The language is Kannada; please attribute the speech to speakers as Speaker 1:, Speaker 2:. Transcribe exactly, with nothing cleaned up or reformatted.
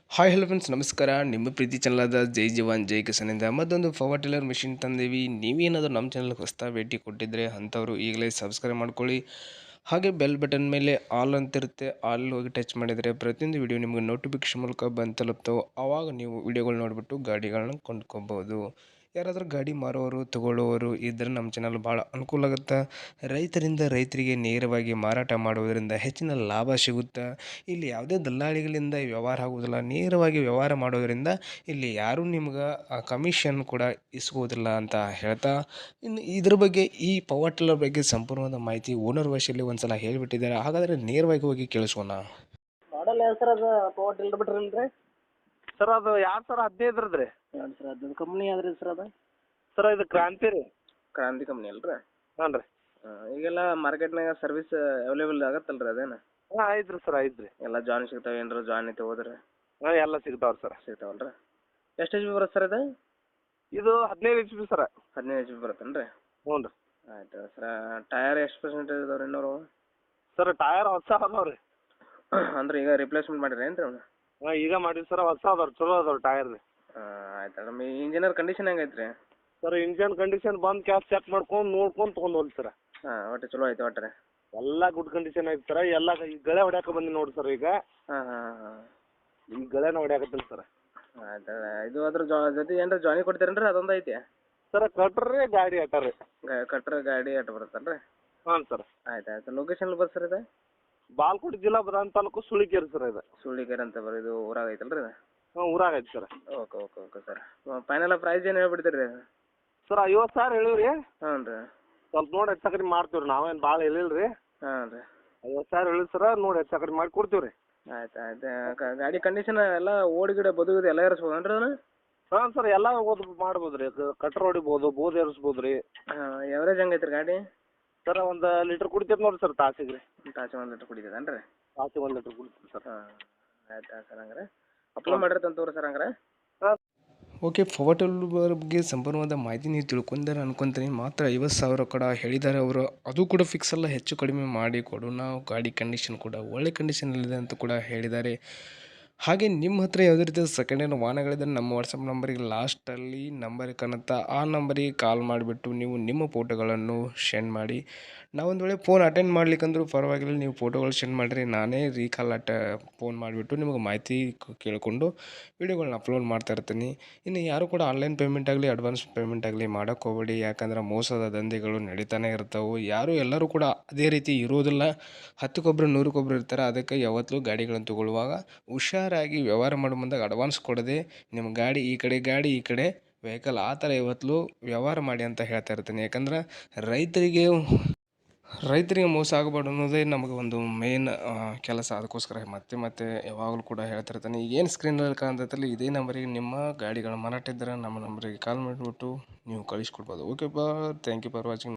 Speaker 1: ಹಾಯ್ ಹಲೋ ಫ್ರೆಂಡ್ಸ್, ನಮಸ್ಕಾರ. ನಿಮ್ಮ ಪ್ರೀತಿ ಚಾನಲಾದ ಜೈ ಜವಾನ್ ಜೈ ಕಿಸಾನಿಂದ ಮತ್ತೊಂದು ಪವರ್ ಟಿಲ್ಲರ್ ಮಿಷಿನ್ ತಂದೀವಿ. ನೀವೇನಾದರೂ ನಮ್ಮ ಚಾನಲ್ಗೆ ಹೊಸ್ತಾ ಭೇಟಿ ಕೊಟ್ಟಿದ್ದರೆ ಅಂಥವ್ರು ಈಗಲೇ ಸಬ್ಸ್ಕ್ರೈಬ್ ಮಾಡ್ಕೊಳ್ಳಿ. ಹಾಗೆ ಬೆಲ್ ಬಟನ್ ಮೇಲೆ ಆಲ್ ಅಂತಿರುತ್ತೆ, ಆಲ್ ಹೋಗಿ ಟಚ್ ಮಾಡಿದರೆ ಪ್ರತಿಯೊಂದು ವಿಡಿಯೋ ನಿಮಗೆ ನೋಟಿಫಿಕೇಶನ್ ಮೂಲಕ ಬಂದು ತಲುಪ್ತಾವೆ. ಆವಾಗ ನೀವು ವಿಡಿಯೋಗಳು ನೋಡಿಬಿಟ್ಟು ಗಾಡಿಗಳನ್ನ ಕೊಂಡ್ಕೊಬೋದು. ಯಾರಾದರೂ ಗಾಡಿ ಮಾರೋರು ತಗೊಳ್ಳೋರು ಇದ್ದರೆ ನಮ್ಮ ಚಾನಲ್ ಭಾಳ ಅನುಕೂಲ ಆಗುತ್ತೆ. ರೈತರಿಂದ ರೈತರಿಗೆ ನೇರವಾಗಿ ಮಾರಾಟ ಮಾಡುವುದರಿಂದ ಹೆಚ್ಚಿನ ಲಾಭ ಸಿಗುತ್ತೆ. ಇಲ್ಲಿ ಯಾವುದೇ ದಲ್ಲಾಳಿಗಳಿಂದ ವ್ಯವಹಾರ ಆಗುವುದಿಲ್ಲ. ನೇರವಾಗಿ ವ್ಯವಹಾರ ಮಾಡೋದರಿಂದ ಇಲ್ಲಿ ಯಾರೂ ನಿಮ್ಗೆ ಕಮಿಷನ್ ಕೂಡ ಇಸ್ಕೋದಿಲ್ಲ ಅಂತ ಹೇಳ್ತಾ, ಇನ್ನು ಇದ್ರ ಬಗ್ಗೆ ಈ ಪವರ್ ಟಿಲ್ಲರ್ ಬಗ್ಗೆ ಸಂಪೂರ್ಣವಾದ ಮಾಹಿತಿ ಓನರ್ ಭಾಷೆಯಲ್ಲಿ ಒಂದು ಸಲ ಹೇಳಿಬಿಟ್ಟಿದ್ದಾರೆ. ಹಾಗಾದರೆ ನೇರವಾಗಿ ಹೋಗಿ ಕೇಳಿಸೋಣ.
Speaker 2: ಮಾಡಲ್ ಯಾವ ಸರ್ ಅದು ಪವರ್ ಟಿಲ್ಲರ್ ಬಿಟ್ರಲ್ಲ ರೀ
Speaker 3: ಸರ್ ಅದು ಎರಡು ಸಾವಿರ ಹದಿನೈದರದ್ದು ರೀ.
Speaker 2: ಎರಡು ಸರ್ ಅದು ಕಂಪ್ನಿ ಯಾವ್ದು ಸರ್ ಅದು?
Speaker 3: ಸರ್ ಇದು ಕ್ರಾಂತಿ ರೀ.
Speaker 2: ಕ್ರಾಂತಿ ಕಂಪ್ನಿ ಅಲ್ಲ ರೀ?
Speaker 3: ಹಾಂ ರೀ.
Speaker 2: ಈಗೆಲ್ಲ ಮಾರ್ಕೆಟ್ನಾಗ ಸರ್ವಿಸ್ ಅವೈಲೇಬಲ್ ಆಗತ್ತಲ್ಲ ರೀ ಅದೇನು?
Speaker 3: ಹಾಂ ಐತೆ ರೀ ಸರ್, ಐತೆ ರೀ.
Speaker 2: ಎಲ್ಲ ಜಾನ್ ಸಿಗ್ತಾವೆ ಏನಾರ ಜಾನ್ ಐತೆ ಹೋದ್ರೆ?
Speaker 3: ಹಾಂ ಎಲ್ಲ ಸಿಗ್ತಾವೆ ಸರ್.
Speaker 2: ಸಿಗ್ತಾವಲ್ಲ ರೀ? ಎಷ್ಟು ಎಚ್ ಪಿ ಬರುತ್ತೆ ಸರ್ ಇದು?
Speaker 3: ಇದು ಹದಿನೈದು ಎಚ್ ಪಿ ಸರ.
Speaker 2: ಹದಿನೈದು ಎಚ್ ಪಿ ಬರುತ್ತೇನು ರೀ?
Speaker 3: ಹ್ಞೂ ರೀ.
Speaker 2: ಆಯ್ತು ಸರ್. ಟಯರ್ ಎಷ್ಟು ಪರ್ಸೆಂಟೇಜ್ ಇದಾವೆ ರೀ ಇನ್ನೂರು?
Speaker 3: ಸರ್ ಟಯರ್ ಹೊಸ ಅದಾವೆ ರೀ.
Speaker 2: ಅಂದ್ರೆ ಈಗ ರಿಪ್ಲೇಸ್ಮೆಂಟ್ ಮಾಡಿರಿ ಏನು ರೀ ಅವ್ನು?
Speaker 3: ಹಾಂ ಈಗ ಮಾಡಿವಿ ಸರ್, ಹೊಸ ಅದಾವೆ, ಚಲೋ ಅದಾವೆ ಟಯರ್ ರೀ.
Speaker 2: ಆಯ್ತು. ನಮ್ಮ ಇಂಜಿನಿಯರ್ ಕಂಡೀಷನ್ ಹೆಂಗೈತೆ ರೀ?
Speaker 3: ಸರ್ ಇಂಜನ್ ಕಂಡೀಷನ್ ಬಂದು ಕ್ಯಾಸ್ ಚೆಕ್ ಮಾಡ್ಕೊಂಡು ನೋಡ್ಕೊಂಡು ತೊಗೊಂಡು ಹೋಗಿ ಸರ್.
Speaker 2: ಹಾಂ ಒಟ್ಟು ಚಲೋ ಐತೆ ಒಟ್ಟು ರೀ?
Speaker 3: ಎಲ್ಲ ಗುಡ್ ಕಂಡೀಷನ್ ಐತೆ ಸರ್. ಎಲ್ಲ ಈ ಗಳೆ ಹೊಡ್ಯಾಕ ಬಂದು ನೋಡಿ ಸರ್ ಈಗ.
Speaker 2: ಹಾಂ ಹಾಂ ಹಾಂ
Speaker 3: ಈ ಗಳೆನ ಹೊಡ್ಯಾಕತ್ತಿಲ್ಲ ಸರ್.
Speaker 2: ಆಯ್ತು. ಇದು ಅದ್ರ ಜೊತೆ ಏನಾರ ಜಾಯಿನ್ ಕೊಡ್ತೀರೇನು ರೀ? ಅದೊಂದು ಐತಿ
Speaker 3: ಸರ್ ಕಟ್ರಿ ಗಾಡಿ ಅಟ್ಟ ರೀ.
Speaker 2: ಕಟ್ರ ಗಾಡಿ ಅಟ್ಟು ಬರುತ್ತಲ್ಲ ರೀ?
Speaker 3: ಹಾಂ ಸರ್.
Speaker 2: ಆಯ್ತು ಆಯ್ತು. ಲೊಕೇಶನ್ ಬರ್ ಸರ್ ಇದು?
Speaker 3: ಬಾಲ್ಕೋಟ್ ಜಿಲ್ಲಾ ಬದಾನ್ ತಾಲೂಕು ಸುಳಿಕೇರಿ ಸರ್ ಇದು.
Speaker 2: ಸುಳ್ಳಿಕೆರೆ ಅಂತ ಬರ್ ಇದು ಊರಾಗ ಐತಲ್ಲ ರೀ?
Speaker 3: ಹಾಂ ಊರಾಗ ಐತೆ sir.
Speaker 2: Okay okay okay sir. Final price ಏನು ಹೇಳ್ಬಿಡ್ತೀರಿ ರೀ?
Speaker 3: ಸರ್ ಐವತ್ತು ಸಾವಿರ ಹೇಳಿವಿ ರೀ.
Speaker 2: ಹ್ಞೂ ರೀ.
Speaker 3: ಸ್ವಲ್ಪ ನೋಡಿ ಹೆಚ್ಚು ಕಡಿಮೆ ಮಾಡ್ತೀವಿ ರೀ, ನಾವೇನು ಭಾಳ ಹೇಳಿಲ್ಲ ರೀ.
Speaker 2: ಹಾಂ ರೀ.
Speaker 3: ಐವತ್ತು ಸಾವಿರ ಹೇಳಿ ಸರ, ನೋಡಿ ಹೆಚ್ಚು ಕಡಿಮೆ ಮಾಡಿ ಕೊಡ್ತೀವಿ ರೀ.
Speaker 2: ಆಯ್ತು ಆಯ್ತು. ಗಾಡಿ ಕಂಡೀಷನ್ ಎಲ್ಲ ಓಡಿ ಗಿಡ ಬದು ಗಿಡ ಎಲ್ಲ ಇರಿಸ್ಬೋದೇನು ರೀ ಅದನ್ನು?
Speaker 3: ಹಾಂ ಸರ್ ಎಲ್ಲ ಓದ್ ಮಾಡ್ಬೋದು ರೀ. ಕಟ್ರ್ ಹೊಡಿಬೋದು, ಬೋದ್ ಏರಿಸ್ಬೋದು ರೀ.
Speaker 2: ಹಾಂ. ಎವರೇಜ್ ಹೆಂಗೈತೆ ರೀ ಗಾಡಿ?
Speaker 3: ಸರ್ ಒಂದು ಲೀಟ್ರ್ ಕುಡಿತೈತೆ ನೋಡಿ ಸರ್ ತಾಸಿಗೆ ರೀ.
Speaker 2: ತಾಸು ಒಂದು ಲೀಟ್ರ್ ಕುಡಿತದೇನು ರೀ?
Speaker 3: ತಾಸಿಗೆ ಒಂದು ಲೀಟ್ರ್ ಕುಡಿತೀವಿ ಸರ್.
Speaker 2: ಹಾಂ ಆಯ್ತು ಆಯ್ತು ಸರ್. ಹಂಗಾರೆ ಅಪ್ಲೋಡ್ ಮಾಡಿರ್ತಂತ ತೋರಿ ಸರ್ ಹಂಗಾರೆ.
Speaker 3: ಹಾಂ
Speaker 1: ಓಕೆ, ಪವರ್ ಟಿಲ್ಲರ್ ಬಗ್ಗೆ ಸಂಪೂರ್ಣವಾದ ಮಾಹಿತಿ ನೀವು ತಿಳ್ಕೊಂಡಾರೆ ಅನ್ಕೊಂತೀನಿ. ಮಾತ್ರ ಐವತ್ತು ಸಾವಿರ ಕೂಡ ಹೇಳಿದ್ದಾರೆ ಅವರು. ಅದು ಕೂಡ ಫಿಕ್ಸ್ ಅಲ್ಲ, ಹೆಚ್ಚು ಕಡಿಮೆ ಮಾಡಿ ಕೊಡು ನಾವು. ಗಾಡಿ ಕಂಡೀಷನ್ ಕೂಡ ಒಳ್ಳೆ ಕಂಡೀಷನಲ್ಲಿದೆ ಅಂತ ಕೂಡ ಹೇಳಿದ್ದಾರೆ. ಹಾಗೆ ನಿಮ್ಮ ಹತ್ರ ಯಾವುದೇ ರೀತಿಯ ಸೆಕೆಂಡ್ ಹ್ಯಾಂಡ್ ವಾಹನಗಳಿದ್ದರೆ ನಮ್ಮ ವಾಟ್ಸಪ್ ನಂಬರಿಗೆ ಲಾಸ್ಟಲ್ಲಿ ನಂಬರ್ ಕಾಣುತ್ತಾ ಆ ನಂಬರಿಗೆ ಕಾಲ್ ಮಾಡಿಬಿಟ್ಟು ನೀವು ನಿಮ್ಮ ಫೋಟೋಗಳನ್ನು ಸೆಂಡ್ ಮಾಡಿ. ನಾವೊಂದು ವೇಳೆ ಫೋನ್ ಅಟೆಂಡ್ ಮಾಡ್ಲಿಕ್ಕಂದ್ರೂ ಪರವಾಗಿಲ್ಲ, ನೀವು ಫೋಟೋಗಳು ಸೆಂಡ್ ಮಾಡಿರಿ, ನಾನೇ ರೀಕಾಲ್ ಅಟ ಫೋನ್ ಮಾಡಿಬಿಟ್ಟು ನಿಮಗೆ ಮಾಹಿತಿ ಕೇಳಿಕೊಂಡು ವೀಡಿಯೋಗಳನ್ನ ಅಪ್ಲೋಡ್ ಮಾಡ್ತಾ ಇರ್ತೀನಿ. ಇನ್ನು ಯಾರು ಕೂಡ ಆನ್ಲೈನ್ ಪೇಮೆಂಟ್ ಆಗಲಿ ಅಡ್ವಾನ್ಸ್ ಪೇಮೆಂಟ್ ಆಗಲಿ ಮಾಡೋಕ್ಕೆ ಹೋಗಬೇಡಿ. ಯಾಕಂದ್ರೆ ಮೋಸದ ದಂಧೆಗಳು ನಡೀತಾನೆ ಇರ್ತಾವೆ. ಯಾರು ಎಲ್ಲರೂ ಕೂಡ ಅದೇ ರೀತಿ ಇರೋದಿಲ್ಲ. ಹತ್ತಕ್ಕೊಬ್ರು ನೂರಕ್ಕೊಬ್ರು ಇರ್ತಾರೆ. ಅದಕ್ಕೆ ಯಾವತ್ತೂ ಗಾಡಿಗಳನ್ನು ತಗೊಳ್ಳುವಾಗ ಹುಷಾರಾಗಿ ವ್ಯವಹಾರ ಮಾಡೋ ಮುಂದಾಗ ಅಡ್ವಾನ್ಸ್ ಕೊಡದೆ ನಿಮ್ಮ ಗಾಡಿ ಈ ಕಡೆ ಗಾಡಿ ಈ ಕಡೆ ವೆಹಿಕಲ್ ಆ ಥರ ಯಾವತ್ತೂ ವ್ಯವಹಾರ ಮಾಡಿ ಅಂತ ಹೇಳ್ತಾ ಇರ್ತೀನಿ. ಯಾಕಂದ್ರೆ ರೈತರಿಗೆ ರೈತರಿಗೆ ಮೋಸ ಆಗಬಾರ್ದು ಅನ್ನೋದೇ ನಮಗೆ ಒಂದು ಮೇನ್ ಕೆಲಸ. ಅದಕ್ಕೋಸ್ಕರ ಮತ್ತೆ ಮತ್ತೆ ಯಾವಾಗಲೂ ಕೂಡ ಹೇಳ್ತಿರ್ತಾನೆ. ಈಗೇನು ಸ್ಕ್ರೀನಲ್ಲಿ ಕಾಣ್ತೈತಲ್ಲ ಇದೇ ನಂಬರಿಗೆ ನಿಮ್ಮ ಗಾಡಿಗಳ ಮಾರಾಟ ಇದ್ದರೆ ನಮ್ಮ ನಂಬರಿಗೆ ಕಾಲ್ ಮಾಡಿಬಿಟ್ಟು ನೀವು ಕಳಿಸ್ಕೊಡ್ಬೋದು. ಓಕೆ ಬಾ, ಥ್ಯಾಂಕ್ ಯು ಫಾರ್ ವಾಚಿಂಗ್.